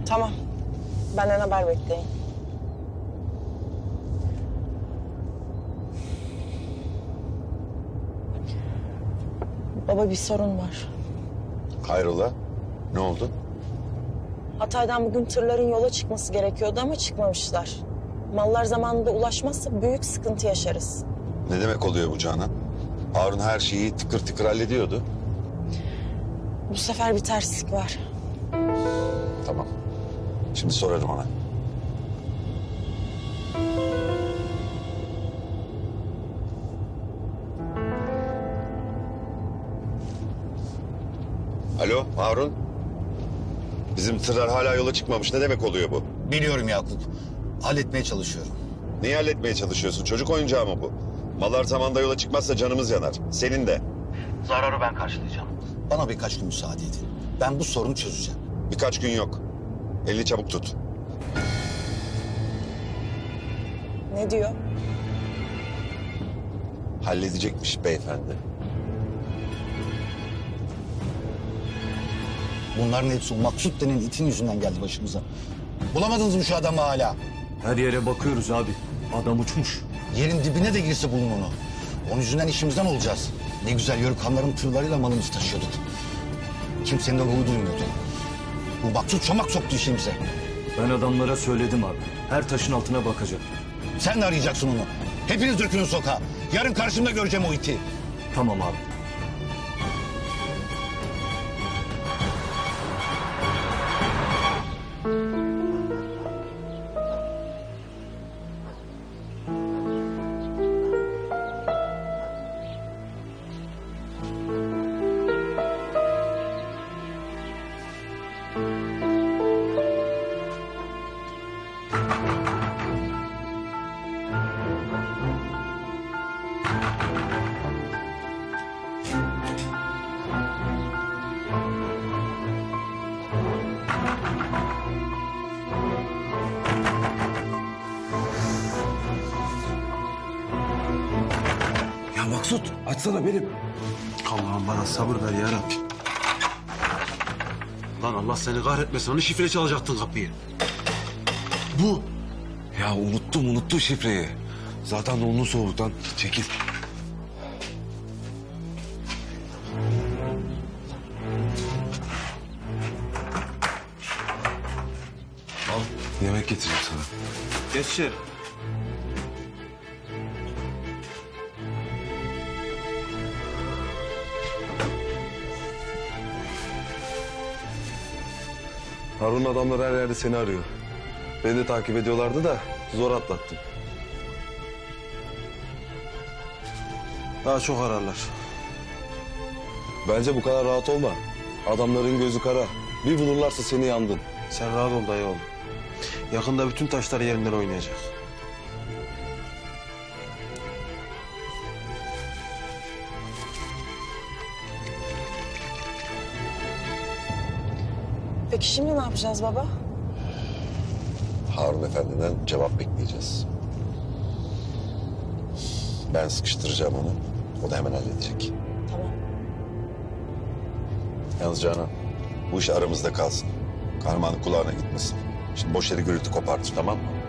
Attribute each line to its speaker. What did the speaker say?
Speaker 1: Tamam. Benden haber bekleyin. Baba bir sorun var.
Speaker 2: Hayrola? Ne oldu?
Speaker 1: Hatay'dan bugün tırların yola çıkması gerekiyordu ama çıkmamışlar. Mallar zamanında ulaşmazsa büyük sıkıntı yaşarız.
Speaker 2: Ne demek oluyor bu Canan? Harun her şeyi tıkır tıkır hallediyordu.
Speaker 1: Bu sefer bir terslik var.
Speaker 2: Tamam. Şimdi sorarım ona. Alo Harun. Bizim tırlar hala yola çıkmamış. Ne demek oluyor bu?
Speaker 3: Biliyorum Yakup. Halletmeye çalışıyorum.
Speaker 2: Neyi halletmeye çalışıyorsun? Çocuk oyuncağı mı bu? Mallar zamanda yola çıkmazsa canımız yanar. Senin de.
Speaker 3: Zararı ben karşılayacağım. Bana birkaç gün müsaade edin. Ben bu sorunu çözeceğim.
Speaker 2: Birkaç gün yok. Elini çabuk tut.
Speaker 1: Ne diyor?
Speaker 2: Halledecekmiş beyefendi.
Speaker 3: Bunların hepsi o Maksut denen itin yüzünden geldi başımıza. Bulamadınız mı şu adamı hala?
Speaker 4: Her yere bakıyoruz abi. Adam uçmuş.
Speaker 3: Yerin dibine de girse bulun onu. Onun yüzünden işimizden olacağız. Ne güzel yörük hanların tırlarıyla malımızı taşıyorduk. Kimsenin de ruhu duymuyordu. Bu Maksut çomak soktu işimize.
Speaker 4: Ben adamlara söyledim abi. Her taşın altına bakacak.
Speaker 3: Sen de arayacaksın onu. Hepiniz dökülün sokağa. Yarın karşımda göreceğim o iti.
Speaker 4: Tamam abi.
Speaker 5: Ya Maksut açsana benim.
Speaker 6: Allah'ım bana sabır ver ya Rabbi. Lan Allah seni kahretmesin. Hani şifre çalacaktın kapıyı. Bu.
Speaker 5: Ya unuttum şifreyi. Zaten donlu soğuktan. Çekil. Al yemek getireyim sana.
Speaker 6: Geç içeri.
Speaker 5: Harun adamlar her yerde seni arıyor. Beni de takip ediyorlardı da zor atlattım.
Speaker 6: Daha çok ararlar.
Speaker 5: Bence bu kadar rahat olma. Adamların gözü kara. Bir bulurlarsa seni yandın.
Speaker 6: Sen rahat ol dayı oğlum. Yakında bütün taşlar yerinden oynayacak.
Speaker 1: Peki şimdi ne yapacağız baba?
Speaker 2: Harun Efendi'den cevap bekleyeceğiz. Ben sıkıştıracağım onu. O da hemen halledecek.
Speaker 1: Tamam.
Speaker 2: Yalnız Canan, bu iş aramızda kalsın. Kahramanın kulağına gitmesin. Şimdi boş yere gürültü kopartır, tamam mı?